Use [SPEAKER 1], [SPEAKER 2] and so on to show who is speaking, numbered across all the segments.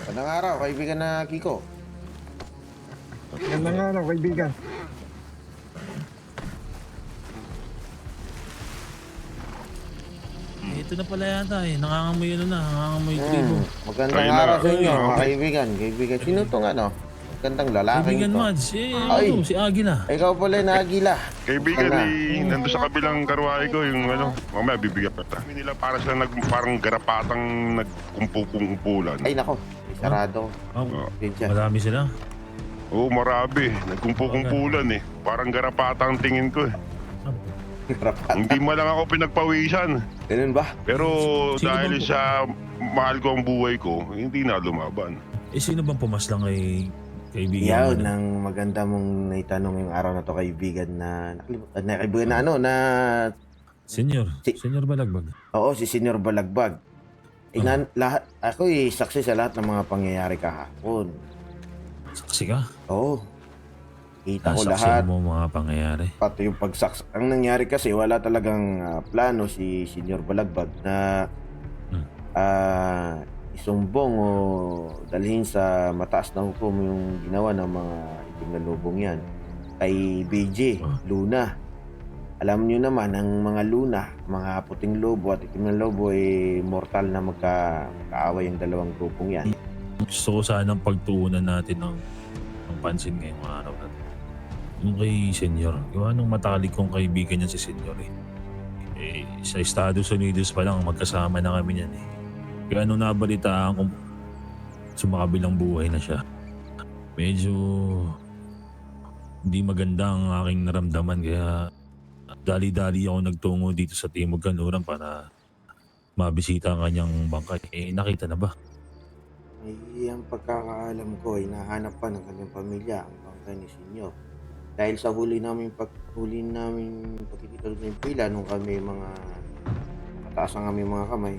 [SPEAKER 1] Magandang araw, kaibigan na Kiko.
[SPEAKER 2] Magandang araw, kaibigan.
[SPEAKER 3] Ito na pala yata eh. Nangangamoy nangangamoy tribo.
[SPEAKER 1] Magandang
[SPEAKER 4] Ayun na.
[SPEAKER 1] araw sa inyo, mga
[SPEAKER 4] Okay.
[SPEAKER 1] kaibigan. Kaibigan, sino itong ano? Magandang lalaking
[SPEAKER 3] Kaibigan
[SPEAKER 1] ito.
[SPEAKER 3] Mads,
[SPEAKER 1] Ay.
[SPEAKER 3] si Agila.
[SPEAKER 1] Ikaw pala yung Agila.
[SPEAKER 4] Kaibigan,
[SPEAKER 1] Ano?
[SPEAKER 4] nandun sa kabilang karwahe ko, yung mamaya bibigyan pa ta. Nila para sila parang garapatang nagkumpulan.
[SPEAKER 1] Ay nako, may sarado.
[SPEAKER 3] Oh,
[SPEAKER 1] Diyan.
[SPEAKER 3] marami sila.
[SPEAKER 4] Oo, marami. Nagkumpulan eh. Parang garapatang tingin ko eh. Hindi mo lang ako pinagpawisan.
[SPEAKER 1] Ganun ba?
[SPEAKER 4] Pero
[SPEAKER 3] Sino
[SPEAKER 4] dahil
[SPEAKER 3] bang-
[SPEAKER 4] sa mahal ko ang buhay ko, hindi na lumaban.
[SPEAKER 3] Sino bang pumaslang kay kaibigan
[SPEAKER 1] Yaw,
[SPEAKER 3] mo?
[SPEAKER 1] nang maganda mong naitanong yung araw na to, kaibigan na kaibigan na ano, na
[SPEAKER 3] Senyor Balagbag.
[SPEAKER 1] oo, si Senior Balagbag. Lahat, ako saksi sa lahat ng mga pangyayari kahapon.
[SPEAKER 3] Saksi ka?
[SPEAKER 1] Oo. Kita ko
[SPEAKER 3] Nasaksi
[SPEAKER 1] lahat.
[SPEAKER 3] mo mga pangyayari.
[SPEAKER 1] Pati yung pagsaks. Ang nangyari kasi, wala talagang plano si Senior Balagbag na isumbong o dalhin sa mataas na hukom yung ginawa ng mga itim na lobong yan. Kay BJ, Luna. Alam nyo naman, ang mga Luna, mga puting lobo at itim na lobo, mortal na magkaaway yung dalawang grupong yan.
[SPEAKER 3] Gusto ko sanang pagtuunan natin ng pansin ngayong araw na to. Yung kay Senyor. Gawa nung matalik kong kaibigan niya si Senyor eh. Sa Estados Unidos pa lang, magkasama na kami niyan eh. Kaya nung nabalitaan kong sumakabilang buhay na siya, medyo hindi maganda ang aking naramdaman. Kaya dali-dali ako nagtungo dito sa Timog Kanluran para mabisita ang kanyang bangkay. Nakita na ba?
[SPEAKER 1] Ang pagkakaalam ko, hinahanap pa ng kanyang pamilya ang bangkay ni Senyor. Dahil sa huli namin pagkikita ng pila nung kami mga mataas ang aming mga kamay,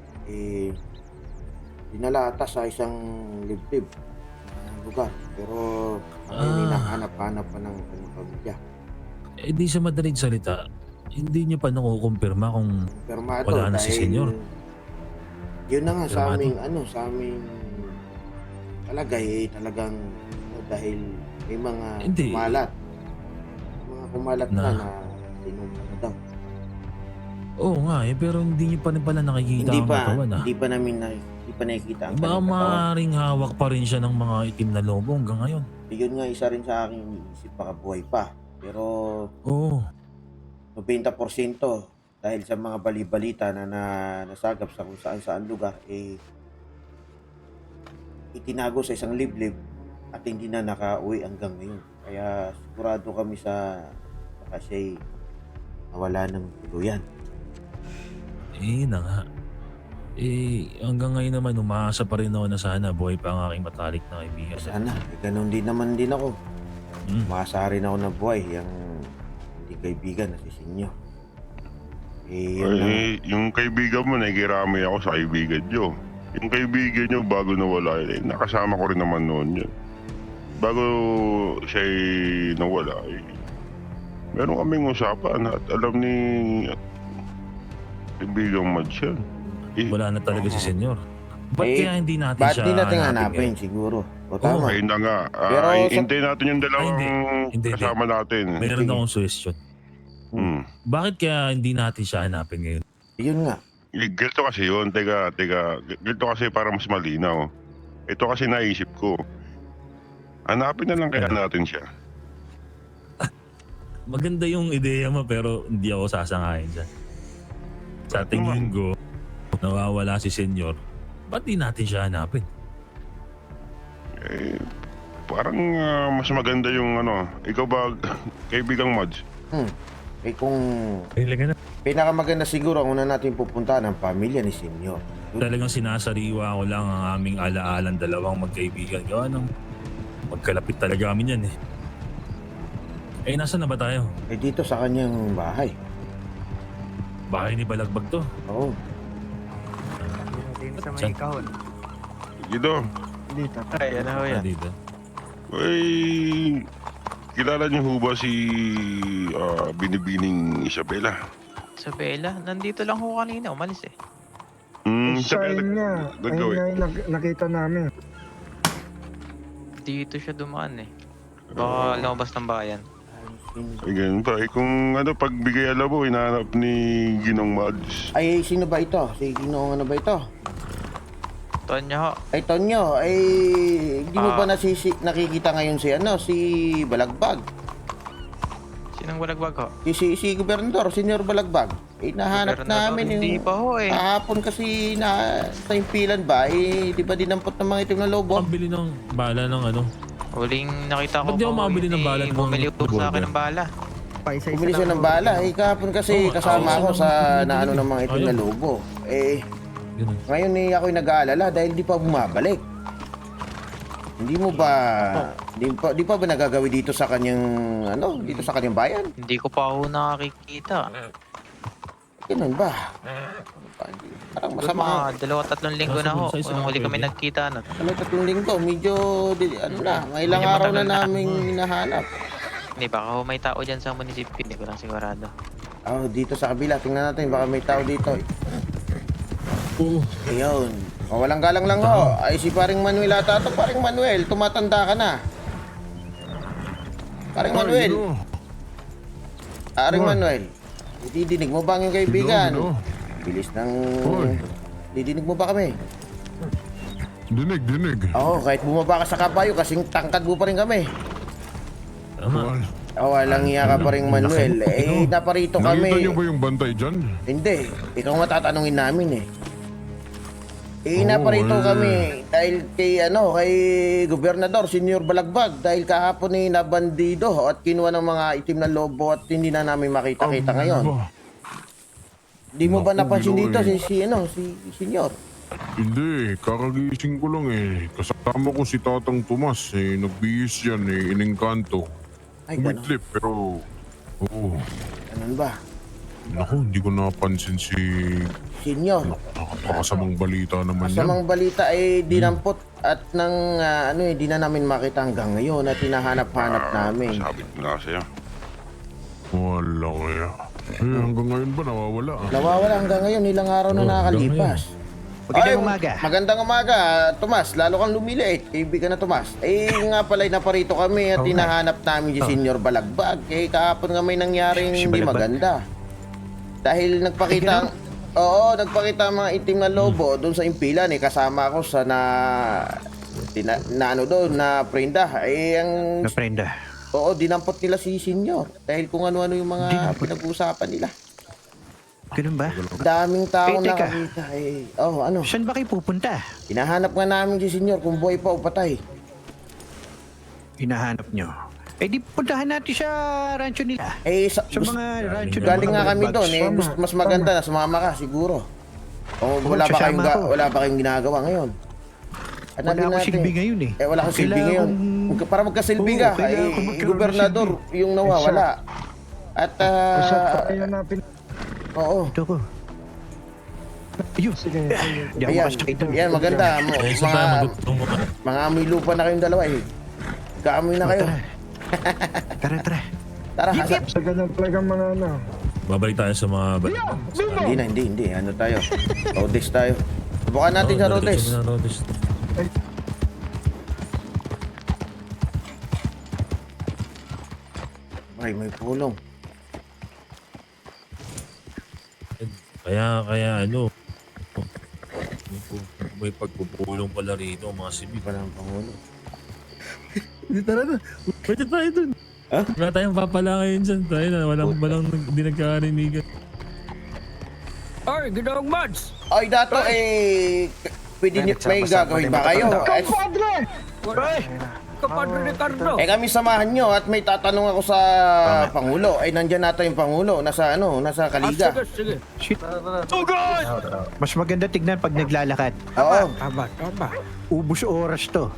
[SPEAKER 1] dinala ata sa isang liblib na lugar. Pero hinahanap-hanap pa ng kanyang pamilya.
[SPEAKER 3] Di sa madaling salita, hindi niyo pa nakukumpirma kung
[SPEAKER 1] Permado
[SPEAKER 3] wala na si Senyor.
[SPEAKER 1] Yun na nga sa
[SPEAKER 3] Permado?
[SPEAKER 1] aming palagay, talagang dahil may mga
[SPEAKER 3] Hindi.
[SPEAKER 1] kumalat na sinumpa na daw.
[SPEAKER 3] Oo nga pero hindi niyo pa rin pala nakikita ang katawan ah.
[SPEAKER 1] Hindi pa nakikita ang
[SPEAKER 3] Baka
[SPEAKER 1] kanyang katawan.
[SPEAKER 3] maaaring hawak pa rin siya ng mga itim na lobo hanggang ngayon.
[SPEAKER 1] Yun nga isa rin sa aking iniisip, baka buhay pa. Pero
[SPEAKER 3] Oo.
[SPEAKER 1] 90% dahil sa mga bali-balita na nasagap sa kung saan lugar, itinago sa isang liblib at hindi na nakauwi hanggang ngayon. Kaya sigurado kami baka siya'y nawala ng tuluyan.
[SPEAKER 3] Na nga. Hanggang ngayon naman umaasa pa rin ako na sana buhay pa ang aking matalik na kaibigan.
[SPEAKER 1] Sana, ganun din naman din ako. Maasa rin ako na buhay yung hindi kaibigan na si Senyor. Yun lang.
[SPEAKER 4] Yung kaibigan mo, nakikiramay ako sa kaibigan nyo. Yung kaibigan nyo, bago nawala yun, nakasama ko rin naman noon yun. Bago siya nawala, meron kaming usapan at alam ni kaibigang Mads yan.
[SPEAKER 3] Wala na talaga si Senyor. Ba't kaya hindi natin
[SPEAKER 1] Ba't
[SPEAKER 3] siya
[SPEAKER 1] di natin
[SPEAKER 3] hanapin
[SPEAKER 1] hanapin
[SPEAKER 3] ngayon?
[SPEAKER 1] siguro? O tama.
[SPEAKER 4] Ayun na nga.
[SPEAKER 1] Pero
[SPEAKER 4] Hintayin natin yung dalawang
[SPEAKER 3] Hindi.
[SPEAKER 4] kasama natin.
[SPEAKER 3] Meron
[SPEAKER 1] Sige.
[SPEAKER 3] akong suggestion. Bakit kaya hindi natin siya hanapin ngayon?
[SPEAKER 1] Yun nga.
[SPEAKER 4] Ganito kasi yun. Teka. Ganito kasi para mas malinaw. Ito kasi naisip ko. Hanapin na lang kaya natin siya.
[SPEAKER 3] Maganda yung ideya mo pero hindi ako sasangayin dyan. Sa tingin ko, nawawala si Senyor. Ba't di natin siya hanapin?
[SPEAKER 4] Parang mas maganda yung ikaw ba, kaibigang Mads?
[SPEAKER 1] Kung pinakamaganda siguro ang una natin pupuntahan ang pamilya ni Senyor.
[SPEAKER 3] Talagang sinasariwa ko lang ang aming alaalang dalawang magkaibigan. Gawa nang magkalapit talaga kami yan eh. Nasaan na ba tayo?
[SPEAKER 1] Dito sa kanyang bahay.
[SPEAKER 3] Bahay ni Balagbag to.
[SPEAKER 1] Oo.
[SPEAKER 2] Dito sa
[SPEAKER 3] Saan?
[SPEAKER 2] may kahon.
[SPEAKER 4] Dito.
[SPEAKER 2] Dito.
[SPEAKER 5] Ay, ano ho yan?
[SPEAKER 3] Dito.
[SPEAKER 4] Kilala niyo ho ba si Binibining Isabela?
[SPEAKER 5] Isabela, nandito lang ho kanina, umalis eh.
[SPEAKER 2] Siya yun nga. Ayun
[SPEAKER 4] Nagawin.
[SPEAKER 2] nga yung nakita namin.
[SPEAKER 5] Dito siya dumaan eh. Baka lumabas ng bayan.
[SPEAKER 4] Ay, ganun pa. Kung pagbigay alabo, hinahanap ni Ginong Mads.
[SPEAKER 1] Ay, sino ba ito? Si Ginoong ano ba ito?
[SPEAKER 5] Tonyo ho.
[SPEAKER 1] Ay, Tonyo, ay hindi mo ba nakikita ngayon si Balagbag?
[SPEAKER 5] Sinong balagbag ho?
[SPEAKER 1] Si Gobernador, Senyor Balagbag. Eh, nahanap
[SPEAKER 5] Gobernador,
[SPEAKER 1] namin
[SPEAKER 5] hindi
[SPEAKER 1] yung...
[SPEAKER 5] pa ho eh.
[SPEAKER 1] Kahapon kasi sa impilan ba, eh, di ba dinampot ng mga itim na lobo?
[SPEAKER 3] Pambili ng bala ng ano.
[SPEAKER 5] Huling nakita ko
[SPEAKER 3] Ba't di ako makabili ng bala ng mga
[SPEAKER 5] bumili ko sa akin
[SPEAKER 3] revolver?
[SPEAKER 5] ng bala.
[SPEAKER 1] Bumili siya ng bala. Eh, kahapon kasi kasama ako sa naano ng mga itim na
[SPEAKER 3] Ayun.
[SPEAKER 1] lobo. Eh,
[SPEAKER 3] Ganun.
[SPEAKER 1] ngayon eh ako'y nag-aalala dahil di pa bumabalik. Hindi mo ba di pa ba nagagawi dito sa kanyang dito sa kanyang bayan?
[SPEAKER 5] Hindi ko pa ho nakakikita.
[SPEAKER 1] Ganun ba? Parang
[SPEAKER 5] Masama.
[SPEAKER 1] masama.
[SPEAKER 5] Mga 2-3 linggo na ho.
[SPEAKER 3] Sa isa
[SPEAKER 5] Yung huli kami
[SPEAKER 3] pwede.
[SPEAKER 5] nagkita na.
[SPEAKER 1] Ano 3 linggo? Medyo may ilang
[SPEAKER 5] Medyo
[SPEAKER 1] araw na
[SPEAKER 5] matagal na.
[SPEAKER 1] naming hinahanap.
[SPEAKER 5] Hindi, baka ho may tao dyan sa munisipyo. Hindi ko lang sigurado.
[SPEAKER 1] Oh, dito sa kabila, tingnan natin baka may tao dito.
[SPEAKER 3] Oo.
[SPEAKER 1] Ayun. O, walang galang lang ho. Ay si paring Manuel ata to. Paring Manuel, tumatanda ka na. Paring Manuel. Paring Manuel. Didinig mo ba ang iyong kaibigan? Bilis ng... Didinig mo ba kami?
[SPEAKER 2] Dinig.
[SPEAKER 1] Oo, kahit bumaba ka sa kabayo, kasing tangkad mo pa rin kami.
[SPEAKER 3] Tama.
[SPEAKER 1] Oh, walang iya ka pa rin Manuel. Eh, naparito
[SPEAKER 2] Nakita
[SPEAKER 1] kami.
[SPEAKER 2] niyo ba yung bantay dyan?
[SPEAKER 1] Hindi, ikaw nga tatanungin namin eh. Eh, naparito kami dahil kay Gobernador Senyor Balagbag dahil kahapon eh nabandido at kinuha ng mga itim na lobo at hindi na namin makita-kita ngayon. Di mo ba
[SPEAKER 2] Naku,
[SPEAKER 1] napansin dito
[SPEAKER 2] Ginoy.
[SPEAKER 1] si Senyor?
[SPEAKER 2] Hindi, kakagising ko lang eh. Kasama ko si Tatang Tomas eh. Nagbihis yan eh, inengkanto.
[SPEAKER 1] Ay, gano'n.
[SPEAKER 2] Umitlip pero... Oo.
[SPEAKER 1] Ganun ba?
[SPEAKER 2] Naku, hindi ko napansin si...
[SPEAKER 1] Senyor,
[SPEAKER 2] Nakakasamang balita naman yan.
[SPEAKER 1] masamang balita ay dinampot at nang di na namin makita hanggang ngayon at hinahanap-hanap namin.
[SPEAKER 4] Sabi ko na sa'yo.
[SPEAKER 2] Wala kaya. Eh, hanggang ngayon ba nawawala?
[SPEAKER 1] Nawawala hanggang ngayon, ilang araw na nakakalipas.
[SPEAKER 6] Magandang umaga.
[SPEAKER 1] Magandang umaga, Tomas. Lalo kang lumiliit. Kaibigan na Tomas. Eh nga pala, naparito kami at hinahanap namin si Senyor Balagbag. Eh kahapon nga may nangyaring
[SPEAKER 6] Si
[SPEAKER 1] hindi
[SPEAKER 6] Balagbag?
[SPEAKER 1] maganda. Dahil nagpakita ang mga itim na lobo doon sa impilan. Eh kasama ako sa na prenda. Eh ang
[SPEAKER 6] Naprenda.
[SPEAKER 1] dinampot nila si Senyor. Dahil kung ano-ano yung mga pinag-uusapan nila.
[SPEAKER 6] Ganun ba?
[SPEAKER 1] Daming taong
[SPEAKER 6] Eh, teka.
[SPEAKER 1] nakakita. Eh, ano?
[SPEAKER 6] Saan ba kayo pupunta?
[SPEAKER 1] Hinahanap nga namin si Senyor kung buhay pa o patay.
[SPEAKER 6] Hinahanap nyo. Eh di puntahan natin sa rancho nila.
[SPEAKER 1] Eh,
[SPEAKER 6] Sa mga rancho ng
[SPEAKER 1] galing
[SPEAKER 6] mga
[SPEAKER 1] nga kami
[SPEAKER 6] Balagbag.
[SPEAKER 1] doon. Eh, mas maganda na sumama ka siguro. O wala
[SPEAKER 6] sasama ako.
[SPEAKER 1] wala ba kayong ginagawa ngayon? Ano
[SPEAKER 6] Wala
[SPEAKER 1] din
[SPEAKER 6] akong
[SPEAKER 1] natin?
[SPEAKER 6] silbi ngayon eh.
[SPEAKER 1] Wala kang silbi
[SPEAKER 6] Kailangan
[SPEAKER 1] ngayon. Para magkasilbi
[SPEAKER 6] Oo,
[SPEAKER 1] ka,
[SPEAKER 6] kailangan ko magkaroon ng
[SPEAKER 1] gobernador yung nawawala. At, oo.
[SPEAKER 6] Ito ko. Ayun. Sige. Di ako
[SPEAKER 1] Ayan,
[SPEAKER 6] makasakita.
[SPEAKER 1] yan, maganda.
[SPEAKER 3] Eh, saan tayo magutong?
[SPEAKER 1] Mga amoy lupa na kayong dalawa eh. Kaamoy na kayo.
[SPEAKER 6] Tara.
[SPEAKER 1] Tara, hasa.
[SPEAKER 7] Sa ganyan talagang mga
[SPEAKER 3] Babalik tayo sa mga...
[SPEAKER 1] Hindi. Ano tayo? Rodes tayo. Subukan natin sa Rodes.
[SPEAKER 3] Rodes.
[SPEAKER 1] Ay, may pulong.
[SPEAKER 3] Kaya may pagpupulong pala rito mga sibil.
[SPEAKER 1] Wala ng Pangulo.
[SPEAKER 3] Hindi tara na. Pwede tayo dun.
[SPEAKER 1] Ha?
[SPEAKER 3] Wala tayong papala ngayon dyan. Tayo na. Walang hindi nagkakarinigan.
[SPEAKER 8] Ay, Ginoong Mads!
[SPEAKER 1] Ay, dato pwede niyo, may gagawin ba kayo?
[SPEAKER 8] Kapadre Ricardo!
[SPEAKER 1] Kami samahan nyo at may tatanong ako sa Pangulo. Ay, nandyan nata yung Pangulo. Nasa Kaliga.
[SPEAKER 8] Sige.
[SPEAKER 6] Shit. Mas maganda tignan pag naglalakad.
[SPEAKER 1] Oo.
[SPEAKER 8] Tama.
[SPEAKER 6] Ubus oras to.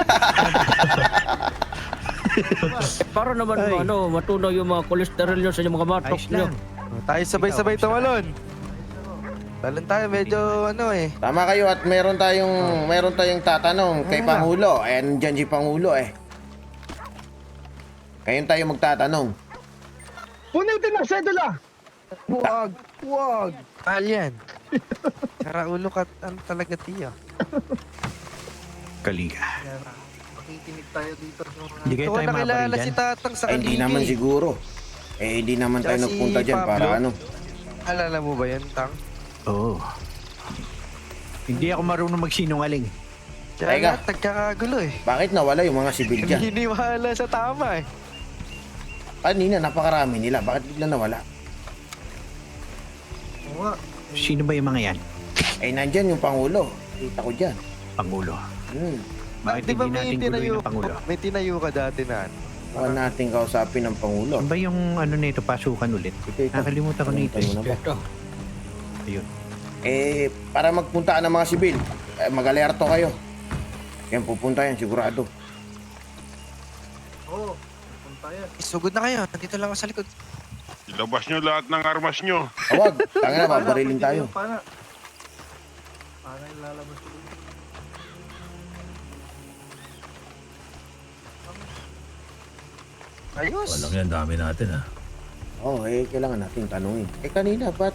[SPEAKER 8] Para naman
[SPEAKER 6] Ay.
[SPEAKER 8] matunaw yung mga kolesterol nyo sa inyong mga matok
[SPEAKER 6] Ayos
[SPEAKER 8] nyo.
[SPEAKER 6] lang.
[SPEAKER 9] Tayo sabay-sabay tumalon. Talon tayo, medyo
[SPEAKER 1] Tama kayo at meron tayong tatanong kay Pangulo. Eh, nandyan si Pangulo eh. Kayon tayo magtatanong.
[SPEAKER 7] Punitin ang sedula!
[SPEAKER 9] Huwag. Mahal yan. Karaulo ka talaga, tiyo.
[SPEAKER 6] Kaliga.
[SPEAKER 10] Nakikinig tayo dito sa mga...
[SPEAKER 6] Hindi kayo
[SPEAKER 9] Ito
[SPEAKER 6] tayo
[SPEAKER 9] nakilala
[SPEAKER 6] mabaril
[SPEAKER 9] si
[SPEAKER 6] dyan.
[SPEAKER 9] Tatang sa
[SPEAKER 1] Ay, hindi
[SPEAKER 9] Kaligay.
[SPEAKER 1] naman siguro. Eh, hindi naman tayo
[SPEAKER 9] Tsaka si
[SPEAKER 1] nagpunta dyan para
[SPEAKER 9] Pablo.
[SPEAKER 1] ano.
[SPEAKER 9] Alala mo ba yan, Tang?
[SPEAKER 6] Oo. Hindi ako marunong magsinungaling.
[SPEAKER 9] Kaya
[SPEAKER 1] Teka.
[SPEAKER 9] lahat nagkakagulo eh.
[SPEAKER 1] Bakit nawala yung mga sibil dyan?
[SPEAKER 9] Hiniwala sa tama eh.
[SPEAKER 1] Kanina, napakarami nila. Bakit bigla nawala?
[SPEAKER 10] Oo nga.
[SPEAKER 6] Sino ba yung mga yan?
[SPEAKER 1] Eh, nandyan yung Pangulo. Kita ko dyan.
[SPEAKER 6] Pangulo. Bakit
[SPEAKER 9] Di ba
[SPEAKER 6] hindi
[SPEAKER 9] may
[SPEAKER 6] natin
[SPEAKER 9] tinayo,
[SPEAKER 6] guluhin ang Pangulo?
[SPEAKER 9] may tinayo ka dati na ano?
[SPEAKER 1] Baka natin kausapin ng Pangulo.
[SPEAKER 6] Ano ba yung ano nito, pasukan ulit?
[SPEAKER 1] Ito.
[SPEAKER 6] Nakalimutan ko nito.
[SPEAKER 1] Tayo na ba?
[SPEAKER 8] Ito.
[SPEAKER 6] Ayun.
[SPEAKER 1] Eh, para magpuntaan ng mga sibil, mag-alerto kayo. Yan, pupunta yan, sigurado.
[SPEAKER 10] Oo. Punta yan.
[SPEAKER 9] Sugod na kayo, nandito lang ako sa likod.
[SPEAKER 4] Ilabas nyo lahat ng armas nyo.
[SPEAKER 1] Awag, tanga na, babarilin tayo.
[SPEAKER 10] Para ilalabas ko.
[SPEAKER 9] Ayos.
[SPEAKER 3] Walang yan, dami natin ha.
[SPEAKER 1] Oo, kailangan natin tanungin. Kanina, ba't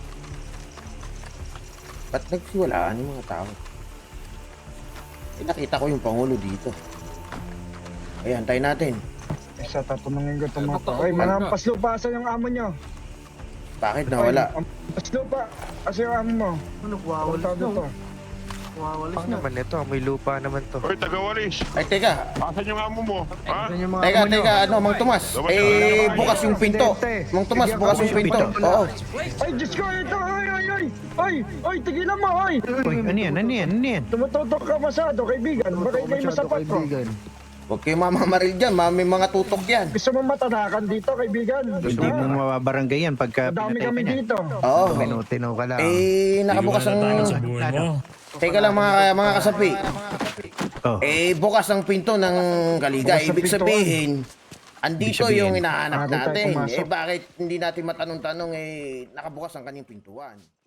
[SPEAKER 1] nagsiwalaan yung mga tao? Nakita ko yung Pangulo dito. Ayan, tayo natin.
[SPEAKER 7] Isa tatanungin ko itong mga
[SPEAKER 8] Baka
[SPEAKER 7] tao. Ay, mga
[SPEAKER 8] umaga.
[SPEAKER 7] paslupasan yung amo nyo.
[SPEAKER 1] Bakit nawala?
[SPEAKER 7] Ay, ang paslupa. Kasi yung amo mo.
[SPEAKER 10] Ano, wawalis
[SPEAKER 7] Punta dito.
[SPEAKER 10] na. Wawalis
[SPEAKER 9] Ang
[SPEAKER 10] na.
[SPEAKER 9] naman ito, may lupa naman to.
[SPEAKER 4] Hoy, tagawalis.
[SPEAKER 1] Ay, teka.
[SPEAKER 4] Asan yung amo mo? Ha?
[SPEAKER 7] Yan yung mga
[SPEAKER 1] Teka,
[SPEAKER 7] amo nyo.
[SPEAKER 1] teka, ano, Mang Tomas? Bukas yung pinto. Mang Tomas, bukas yung pinto. Oo.
[SPEAKER 7] Ay, Diyos ko, ito. Ay, tigilan mo, ay.
[SPEAKER 6] Uy, ano yan? Ano yan? Ano yan?
[SPEAKER 7] Tumututok ka masyado, kaibigan. Baka kayo masapat ko.
[SPEAKER 1] Huwag kayo mamamaril dyan, may mga tutok yan.
[SPEAKER 7] Gusto mo matanakan dito, kaibigan?
[SPEAKER 6] Hindi mo mababarangay yan pagka
[SPEAKER 7] Dami
[SPEAKER 6] pinatay
[SPEAKER 7] kami
[SPEAKER 6] ka na.
[SPEAKER 7] dito.
[SPEAKER 1] Oo.
[SPEAKER 9] Tinutinaw ka lang.
[SPEAKER 1] Nakabukas ang...
[SPEAKER 3] Sa buhay mo.
[SPEAKER 1] Teka lang mga kasapi.
[SPEAKER 6] Oh.
[SPEAKER 1] Bukas ang pinto ng Kaligay.
[SPEAKER 7] Bukas ang
[SPEAKER 1] Ibig
[SPEAKER 7] pintuan.
[SPEAKER 1] sabihin, andito
[SPEAKER 6] Ibig sabihin,
[SPEAKER 1] yung hinahanap
[SPEAKER 7] bago tayo
[SPEAKER 1] natin.
[SPEAKER 7] pumasok.
[SPEAKER 1] Bakit hindi natin matanong-tanong, nakabukas ang kanyang pintuan.